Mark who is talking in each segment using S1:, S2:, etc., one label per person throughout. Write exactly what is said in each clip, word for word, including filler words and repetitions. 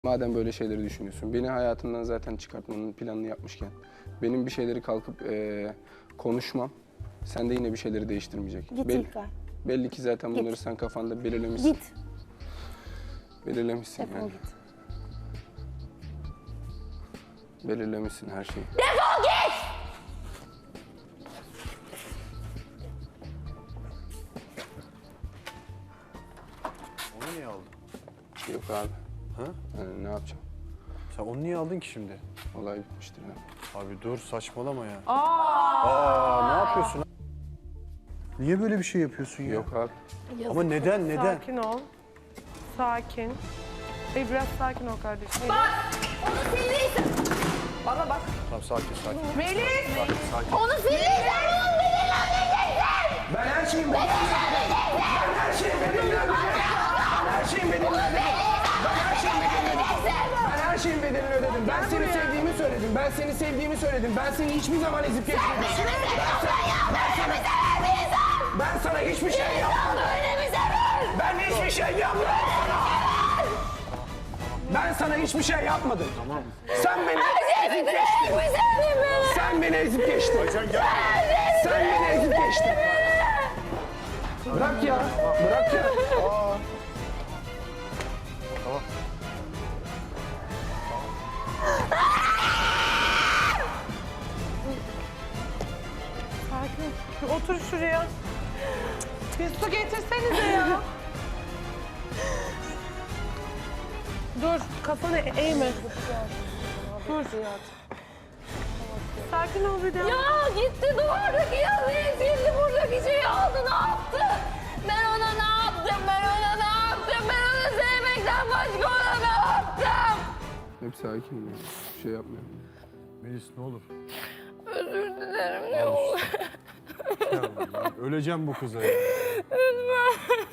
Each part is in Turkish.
S1: Madem böyle şeyleri düşünüyorsun, beni hayatından zaten çıkartmanın planını yapmışken, benim bir şeyleri kalkıp e, konuşmam, sen de yine bir şeyleri değiştirmeyecek.
S2: Git
S1: Belli,
S2: İlkay.
S1: belli ki zaten bunları
S2: Git.
S1: sen kafanda belirlemişsin.
S2: Git.
S1: Belirlemişsin
S2: Defol
S1: yani.
S2: git.
S1: Belirlemişsin her şeyi.
S2: Defol git!
S3: Onu niye aldın?
S1: Yok abi.
S3: Ha?
S1: Yani ne yapacağım?
S3: Sen onu niye aldın ki şimdi?
S1: Olay bitmiştir yani.
S3: Abi dur saçmalama ya. Aa! Aa ne yapıyorsun? Niye böyle bir şey yapıyorsun ya?
S1: Yok abi.
S3: Ama neden neden?
S4: Sakin ol. Sakin. Ey biraz sakin ol kardeşim.
S2: Bak! Onu sildiysen... Bana bak.
S3: Tamam sakin sakin.
S4: Melis!
S3: Sakin sakin.
S2: Onu sildiysen bunu belirlemeyeceksin!
S1: Ben her şeyi belirledim. Ben her şeyi belirledim. Ben her şeyin bedelini ödedim. Ben her şeyin bedelini ödedim. Ben her şeyin bedelini ödedim. Ben seni sevdiğimi söyledim. Ben seni sevdiğimi söyledim. Ben seni hiçbir zaman ezip geçmedim.
S2: Sen mi seviyorsun? Böyle mi sever bir insan?
S1: Ben sana hiçbir şey yapmadım.
S2: Böyle mi sever?
S1: Ben hiçbir şey yapmadım. Ben sana hiçbir şey yapmadım. Tamam. Sen beni ezip geçtin.
S2: Mi sevdin beni?
S1: Sen beni ezip geçtin. Sen beni ezip geçtin. Bırak ya. Bırak ya. Aa.
S3: Tamam.
S4: Sakin. Bir otur şuraya. Bir su getirsenize ya. Dur, kafanı eğme. Dur. Sakin ol bir de.
S2: Ya gitti duvardaki yazıyı sildi, buradaki şeyi aldı, ne yaptı? Ben ona ne yaptım, ben ona ne yaptım, ben onu sevmekten başka ona ne yaptım?
S1: Hep sakin ya. Bir şey yapmıyorum.
S3: Melis ne olur.
S2: Özür dilerim, ne olur.
S3: Ya, öleceğim bu kıza ya.
S2: Lütfen.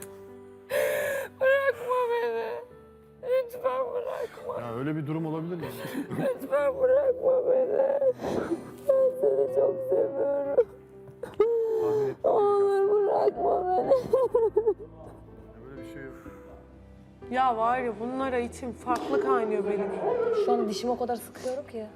S2: Bırakma beni. Lütfen bırakma.
S3: Ya öyle bir durum olabilir mi?
S2: Lütfen bırakma beni. Ben seni çok seviyorum.
S3: Tahmin ettim.
S2: Ne olur bırakma beni.
S3: Böyle bir şey yok.
S4: Ya var ya bunlara içim farklı kaynıyor benim.
S5: Şu an dişimi o kadar sıkıyorum ki.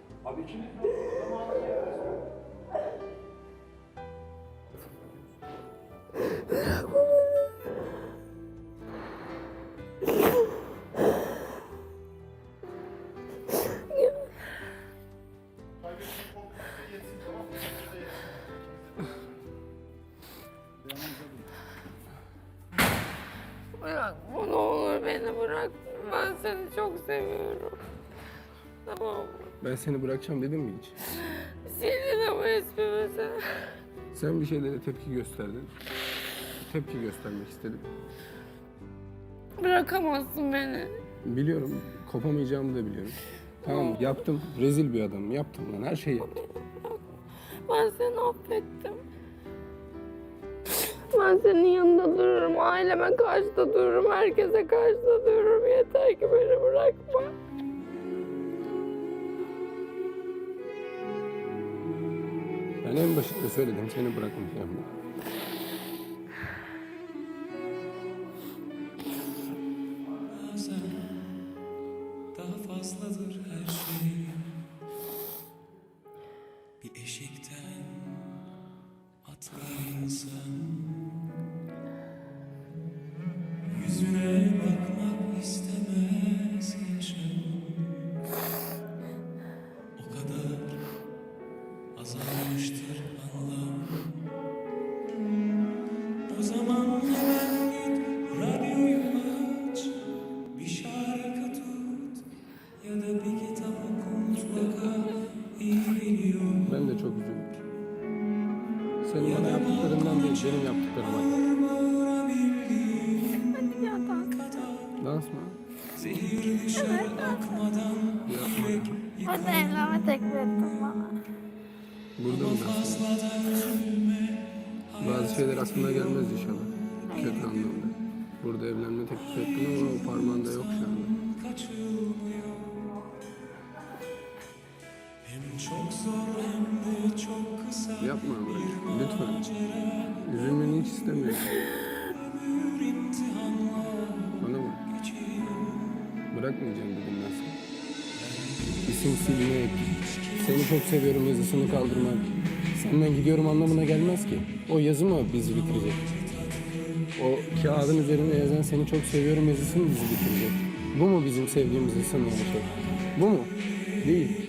S2: Bırakma, ne olur beni bırak. Ben seni çok seviyorum. Tamam mı?
S1: Ben seni bırakacağım dedim mi hiç?
S2: Sildin ama ismimi sen.
S1: Sen bir şeylere tepki gösterdin. Tepki göstermek istedim.
S2: Bırakamazsın beni.
S1: Biliyorum, kopamayacağımı da biliyorum. Tamam, yaptım. Rezil bir adamım. Yaptım lan, her şeyi yaptım.
S2: Ben seni affettim. Ben senin yanında dururum, aileme karşı da dururum, herkese karşı da dururum. Yeter ki beni bırakma.
S1: Ben en başında söyledim, seni bırakmayacağım.
S6: Bazen daha fazladır her şey. Bir eşikten atlar insan. Yüzüne bakmak istemez yaşam. O kadar azalmıştır anlam. O zaman hemen git radyoyu aç, bir şarkı tut ya da bir kitap oku, mutlaka iyi geliyor.
S1: Ben de çok üzüldüm. Senin bana yaptıklarından değil, benim yaptıklarıma.
S2: Hadi ya dans.
S1: Dans mı?
S6: Zehir dışarı akmadan yürek
S2: Hadi evlenme teklif ettin bana.
S1: Burada mı dans?
S6: fazladan üzülme.
S1: Bazı şeyler aklına gelmez inşallah. Kötü anlamda. Burada evlenme teklif ettim ama o parmağında yok şu anda.
S6: Kaçılmıyor. Hem çok zor hem de çok kısa.
S1: Yapma bırak. Lütfen. Üzülmeni hiç istemiyorum.
S6: Ömür imtihanla
S1: Bana bak.
S6: geçiyor.
S1: Bırakmayacağım dedim ben sana. İsim silmek, seni çok seviyorum yazısını kaldırmak, senden gidiyorum anlamına gelmez ki. O yazı mı bizi bitirecek? O kağıdın üzerine yazan seni çok seviyorum yazısı mı bizi bitirecek? Bu mu bizim sevdiğimizi sınırlı şey? Bu mu? Değil.